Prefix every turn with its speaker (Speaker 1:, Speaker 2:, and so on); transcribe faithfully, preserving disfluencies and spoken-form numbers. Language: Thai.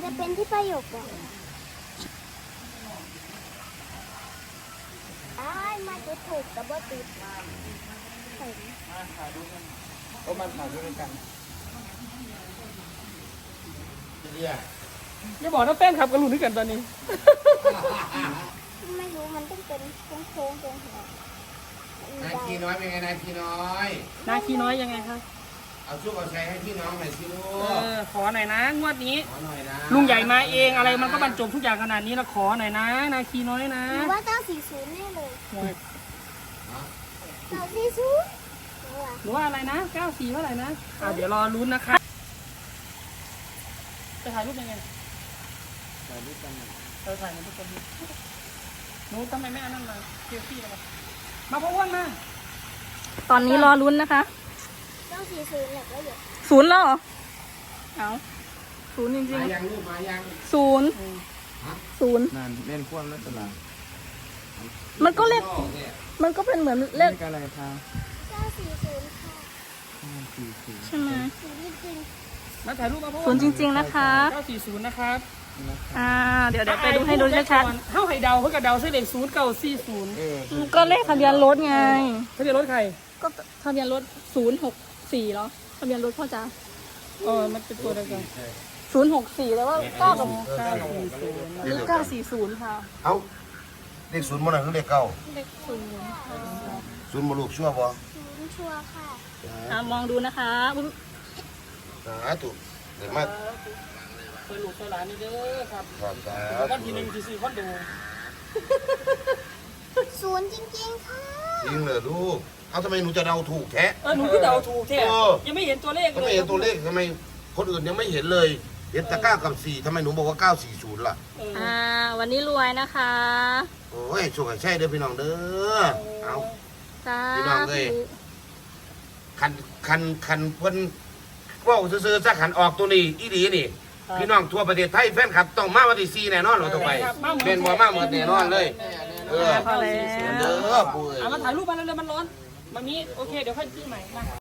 Speaker 1: จะเป็นที่ประโยคก่อนอ้ายมาจุดถูกกับว่าติดเห็น
Speaker 2: ก็มันถ่ายด้วยกัน
Speaker 3: เนี่ย
Speaker 2: อย่าบอกนะแป้นขับกันหลุดด้วยกันตอนนี้
Speaker 1: ไม่รู้มันต้องเป็นโค้งๆตรงหัวน
Speaker 3: ายขี้น้อยเป็นไงนายขี้น้อย
Speaker 2: นาคีน้อยยังไงครับ
Speaker 3: เอาชุบเอาใช้ให้พี่น้องหน่อยสิลู
Speaker 2: เอก อขอหน่อยนะงวดนี้
Speaker 3: ขอหน่อยนะ
Speaker 2: ลุงใหญ่มาเองอะไรมันก็บรรจบทุกอย่างขนาดนี้นะขอหน่อยนะ นาคีน้อยนะ
Speaker 1: หรือว่าเก้าสี่ศูนย์แน่เลยเก้าสี่ศูนย์
Speaker 2: หรือว่าอะไรนะเก้าสี่เท่าไหร่นะอ่าเดี๋ยวรอลุ้นนะคะจะถ่ายรูปยังไงถ่ายรูปกันเราถ่ายกันทุกคนหนูทำไมไม่อันนั้นมาเซลฟี่มามาพ่ออ้วนมา
Speaker 4: ตอนนี้รอลุ้นนะคะ
Speaker 1: เก้าสี่ศูนย์แหละแล้วเดี๋ยว
Speaker 4: ศูนย์แล้วเหรอเอาศูนย์จริง
Speaker 3: มายังลูกมายัง
Speaker 4: ๆศูนย์ศูนย์
Speaker 5: นั่นเล่นควบแล้วตลาด
Speaker 4: มันก็เลขมันก็เป็นเหมือนเล
Speaker 5: เล่
Speaker 4: ข
Speaker 5: นอะไรคะ
Speaker 1: เก้าสี่ศูนย์ค่ะ
Speaker 5: ห้าสี่สี่
Speaker 4: ใช่ไหม
Speaker 1: ศูนย์จริง
Speaker 2: มาถ่ายรูปมาพ่ออ้
Speaker 4: ศู
Speaker 2: วน
Speaker 4: ย์จริง ๆนะคะ
Speaker 2: เก้าสี่ศูนย์นะครับ
Speaker 4: อ่าเดี๋ยวเดี๋ยวไปดูให้ดูชัด
Speaker 2: เท่าไข่เดาเพื่อกระเดาเส้นเลขศูนย์เก้าสี่ศูนย์
Speaker 5: เออ
Speaker 4: ๆก็เลขทะเบียนรถไง
Speaker 2: เขาจะรถใคร
Speaker 4: ก็ทะเบียนรถศูนย์หกสี่เหรอทะเบียนรถพ่อจ๋า
Speaker 2: เออมันเป็นตัวเดียวกัน
Speaker 4: ศูนย์หกสี่แล้วว่าเก้ากับ
Speaker 2: เก้าสี่ศูนย์
Speaker 4: หรือเก้าสี่ศูนย์ค่ะ
Speaker 3: เอาเลขศูนย์มันอะไรคือเลขเก้า
Speaker 4: เลขศูนย์
Speaker 3: ศูนย์มาลูกชั่วบ่
Speaker 1: ๆศูนย์ชัวร์ค่ะ
Speaker 4: อ่ามองดูนะคะอุ๊ย
Speaker 3: สาธุเดี๋ยวมา
Speaker 2: เคยหลุดเคยหลานนี่เด้อครับ
Speaker 3: ขอบสา
Speaker 2: วัน
Speaker 3: ธุ
Speaker 2: ที่หนึ่งที่สี่วันดู
Speaker 1: ศูนย์จริงๆค่ะ
Speaker 3: จริงเหรอลูกเอาทำไมหนูจะเดาถูกแท้
Speaker 2: เออหนูก็เดาถูกแท้
Speaker 3: เออ
Speaker 2: ยังไม่เห็นตัวเลข
Speaker 3: ทำ
Speaker 2: เล
Speaker 3: ไม
Speaker 2: ย
Speaker 3: เห็นตัวเลขทำไมคนอื่นยังไม่เห็นเลยเห็นแต่เก้ากับสี่ทำไมหนูบอกว่าเก้าสี่ศูนย์ล่ะ
Speaker 2: เออ
Speaker 4: อ่าวันนี้รวยนะคะ
Speaker 3: โอ้ยช่วยใช่เด้อพี่น้องเด้อเอา
Speaker 4: สา
Speaker 3: พี่น้องเอ้ย
Speaker 4: ธุ
Speaker 3: คันคันคันเพิ่นเว่าซื้อๆสักขันออกตัวนี้อีดีนี่ พี่น้องทั่วประเทศไทยแฟนคลับต้องมาวันที่สี่แน่นอนเราต้องไปเป็นบ่มาเหมือนแน่นอนเลย เออ
Speaker 4: พอแล้
Speaker 3: เด้
Speaker 4: ว
Speaker 3: อปุ้ย
Speaker 2: เอามาถ่ายรูปมาแล้วเร็วมันร้อนมามีโอเคเดี๋ยวค่อยซื้อใหม่มา